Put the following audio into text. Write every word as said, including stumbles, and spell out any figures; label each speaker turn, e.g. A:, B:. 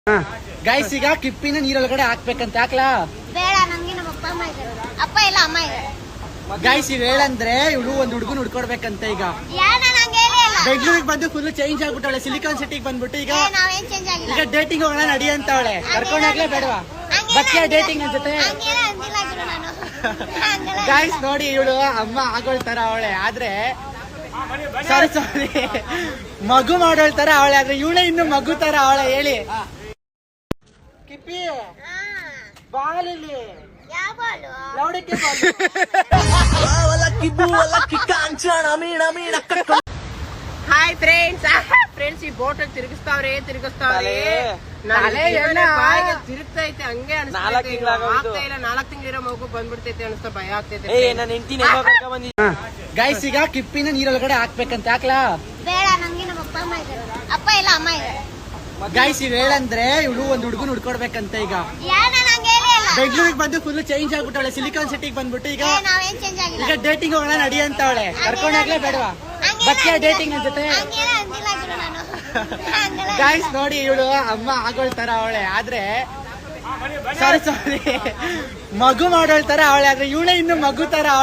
A: Guys ಈಗ ಕಿಪ್ಪಿನ ನೀರೊಳಗಡೆ ಹಾಕ್ಬೇಕಂತ ಹಾಕ್ಲಾ
B: ಬೇಡ ನಂಗೆ ನಮ್ಮ ಅಪ್ಪ ಅಮ್ಮ ಇದ್ದಾರೆ ಅಪ್ಪ ಇಲ್ಲ ಅಮ್ಮ ಇದ್ದಾರೆ
A: ಗೈಸ್ ಇವ್ ಹೇಳಂದ್ರೆ ಇವಳು ಒಂದ್ ಹುಡುಗನ್ ಹುಡ್ಕೊಡ್ಬೇಕಂತ ಈಗ
B: ಯಾಣ ನಂಗೆ ಹೇಳೇ ಇಲ್ಲ
A: ಬೆಂಗಳೂರಿಗೆ ಬಂದು ಫುಲ್ ಚೇಂಜ್ ಆಗ್ಬಿಟ್ಟವಳೆ ಸಿಲಿಕಾನ್ ಸಿಟಿಗೆ ಬಂದ್ಬಿಟ್ಟು ಈಗ
B: ಏ, ನಾವೇನ್ ಚೇಂಜ್ ಆಗಿಲ್ಲ
A: ಈಗ ಡೇಟಿಂಗ್ ಹೋಗೋಣ ನಡಿ ಅಂತವಳೆ ಕರ್ಕೊಂಡಾಗ್ಲೇ ಬೇಡವಾ ಬಕ್ಕಿಯ ಡೇಟಿಂಗ್ ನನ್ ಜೊತೆ
B: ಹಂಗೇನ ಅಂದಿಲ್ಲ ಗುರು ನಾನು ಹಂಗಲ್ಲ
A: ಗೈಸ್ ನೋಡಿ ಇವಳು ಅಮ್ಮ ಆಗೋಳ್ತಾರ ಅವಳೆ ಆದ್ರೆ ಸಾರಿ ಸಾರಿ ಮಗು ಮಾಡೋಳ್ತಾರ ಅವಳೆ ಆದ್ರೆ ಇವಳೆ ಇನ್ನು ಮಗು ತರ ಅವಳೆ ಹೇಳಿ ಕಿಪ್ಪಿ
B: ಹಾ,
A: ಬಾಲಿಲ್ಲಿ
B: ಯಾವ ಬಾಲು
A: ಲೌಡಕ್ಕೆ
C: ಹಾಯ್ ಫ್ರೆಂಡ್ಸ್ ಫ್ರೆಂಡ್ಸ್ ಈ ಬೋಟ್ ತಿರುಗಿಸ್ತಾವ್ರೆ ತಿರುಗಿಸ್ತಾವ್ರೆ
A: ತಲೆ ಎಣ್ಣೆ.
C: ಬಾಯಿಗೆ ತಿರುಗ್ತೈತೆ ಹಂಗೆ
D: ನಾಲ್ಕ್ ತಿಂಗ್ಳಾಗೋಯ್ತು.
C: ಆಗ್ತಾ ಇಲ್ಲ ನಾಲ್ಕು ತಿಂಗಳಿರೋ ಮಗು ಬಂದ್ಬಿಡ್ತೈತೆ ಅನಿಸ್ತಾ ಭಯ ಆಗ್ತೈತೆ
D: ಏ ನನ್ನ ಹೆಂಡತಿನ ಬಂದಿದ್ದೆ
A: ಗೈಸ್ ಈಗ ಕಿಪ್ಪಿನ ನೀರೊಳಗಡೆ ಹಾಕ್ಬೇಕಂತ ಹಾಕ್ಲಾ
B: ಬೇಡ ನಂಗೆ ನಮ್ಮ ಅಪ್ಪ ಅಮ್ಮ ಇದ್ದಾರೆ ಅಪ್ಪ ಇಲ್ಲ ಅಮ್ಮ ಇದ್ದಾರೆ
A: ಗೈಸ್ ಇವ್ ಹೇಳಂದ್ರೆ ಇವಳು ಒಂದ್ ಹುಡುಗನ್ ಹುಡ್ಕೊಡ್ಬೇಕಂತ ಈಗ
B: ಯಾಣ ನಂಗೆ ಹೇಳೇ ಇಲ್ಲ
A: ಬೆಂಗಳೂರಿಗೆ ಬಂದು ಫುಲ್ ಚೇಂಜ್ ಆಗ್ಬಿಟ್ಟವಳೆ ಸಿಲಿಕಾನ್ ಸಿಟಿಗೆ ಬಂದ್ಬಿಟ್ಟು ಈಗ
B: ಏ, ನಾವೇನ್ ಚೇಂಜ್ ಆಗಿಲ್ಲ
A: ಈಗ ಡೇಟಿಂಗ್ ಹೋಗೋಣ ನಡಿ ಅಂತವಳೆ ಕರ್ಕೊಂಡಾಗ್ಲೇ ಬೇಡವಾ ಬಕ್ಕಿಯ ಡೇಟಿಂಗ್ ನನ್ ಜೊತೆ
B: ಹಂಗೇನ ಅಂದಿಲ್ಲ ಗುರು ನಾನು ಹಂಗಲ್ಲ
A: ಗೈಸ್ ನೋಡಿ ಇವಳು ಅಮ್ಮ ಆಗೋಳ್ತಾರ ಅವಳೆ ಆದ್ರೆ ಸಾರಿ ಸಾರಿ ಮಗು ಮಾಡೋಳ್ತಾರ ಅವಳೆ ಆದ್ರೆ ಇವಳೆ ಇನ್ನು ಮಗು ತರ